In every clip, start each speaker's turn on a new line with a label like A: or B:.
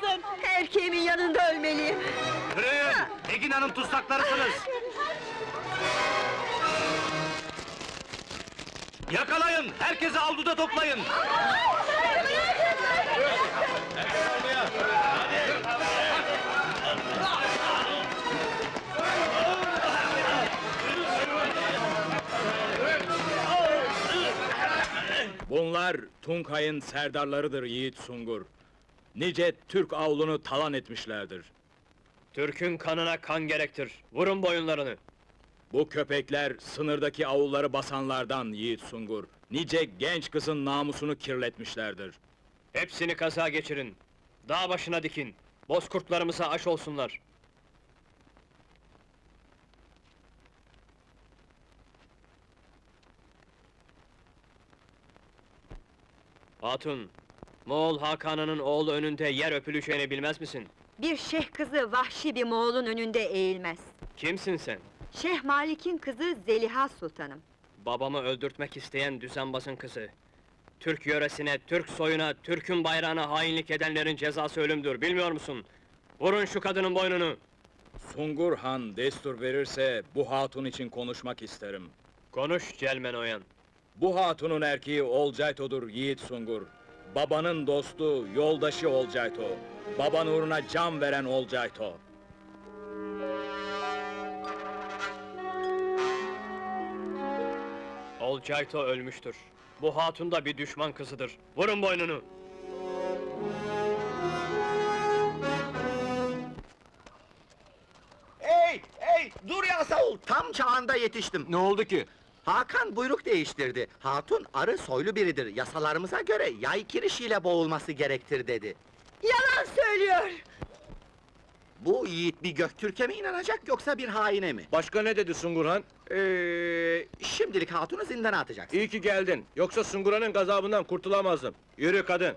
A: kurtarın!
B: Erkeğimin yanında ölmeliyim!
C: Yürüyün! Egin Hanım tutsaklarısınız! Yakalayın! Herkesi avluda toplayın!
D: Bunlar Tunkay'ın serdarlarıdır Yiğit Sungur. Nice Türk avlunu talan etmişlerdir.
E: Türk'ün kanına kan gerektir. Vurun boyunlarını.
D: Bu köpekler sınırdaki avulları basanlardan Yiğit Sungur. Nice genç kızın namusunu kirletmişlerdir.
E: Hepsini kaza geçirin. Dağ başına dikin. Bozkurtlarımıza aş olsunlar. Hatun, Moğol Hakan'ının oğlu önünde yer öpüleceğini bilmez misin?
B: Bir şeyh kızı vahşi bir Moğol'un önünde eğilmez.
E: Kimsin sen?
B: Şeyh Malik'in kızı Zeliha Sultanım.
E: Babamı öldürtmek isteyen düzenbazın kızı. Türk yöresine, Türk soyuna, Türk'ün bayrağına hainlik edenlerin cezası ölümdür, bilmiyor musun? Vurun şu kadının boynunu!
D: Sungur Han destur verirse bu hatun için konuşmak isterim.
E: Konuş Celmen Oyan!
D: Bu hatunun erkeği Olcayto'dur Yiğit Sungur. Babanın dostu, yoldaşı Olcayto. Baban uğruna can veren Olcayto.
E: Olcayto ölmüştür. Bu hatun da bir düşman kızıdır. Vurun boynunu!
F: Hey! Hey! Dur ya Saul! Tam çağında yetiştim.
C: Ne oldu ki?
F: Hakan buyruk değiştirdi. Hatun arı soylu biridir. Yasalarımıza göre yay kirişiyle boğulması gerektir dedi.
B: Yalan söylüyor!
F: Bu yiğit bir Göktürk'e mi inanacak yoksa bir haine mi?
C: Başka ne dedi Sungurhan?
F: Şimdilik hatunu zindana atacaksın.
C: İyi ki geldin. Yoksa Sungurhan'ın gazabından kurtulamazdım. Yürü kadın!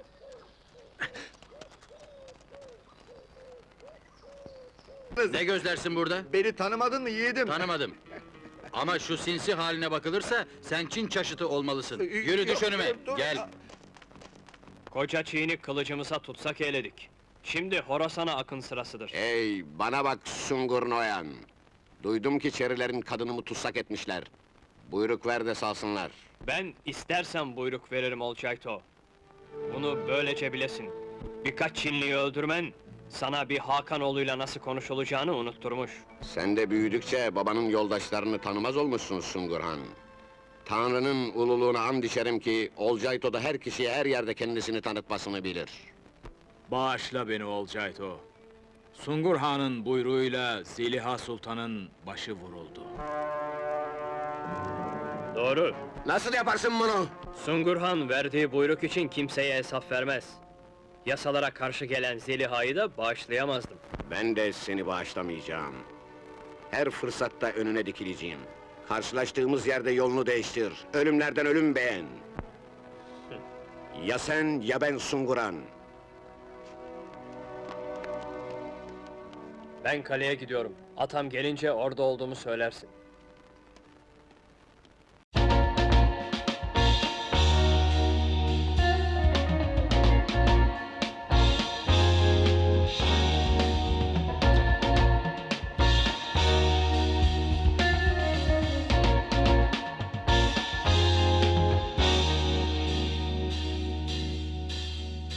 G: Ne gözlersin burada?
F: Beni tanımadın mı yiğidim?
G: Tanımadım. Ama şu sinsi haline bakılırsa sen Çin çaşıtı olmalısın. Yürü düş önüme, gel.
E: Koca Çiğni kılıcımıza tutsak eyledik. Şimdi Horasan'a akın sırasıdır.
H: Hey, bana bak Sungur Noyan! Duydum ki Çerilerin kadınımı tutsak etmişler. Buyruk ver de salsınlar.
E: Ben istersen buyruk veririm Olcayto. Bunu böylece bilesin. Birkaç Çinliyi öldürmen, sana bir Hakanoğlu'yla nasıl konuşulacağını unutturmuş.
H: Sen de büyüdükçe babanın yoldaşlarını tanımaz olmuşsun Sungurhan. Tanrı'nın ululuğuna and içerim ki, Olcayto da her kişiye her yerde kendisini tanıtmasını bilir.
D: Bağışla beni Olcayto. Sungur Han'ın buyruğuyla Zeliha Sultan'ın başı vuruldu.
E: Doğru.
H: Nasıl yaparsın bunu?
E: Sungurhan verdiği buyruk için kimseye hesap vermez. Yasalara karşı gelen Zeliha'yı da bağışlayamazdım.
H: Ben de seni bağışlamayacağım. Her fırsatta önüne dikileceğim. Karşılaştığımız yerde yolunu değiştir. Ölümlerden ölüm beğen. Ya sen ya ben Sungurhan.
E: Ben kaleye gidiyorum. Atam gelince orada olduğumu söylersin.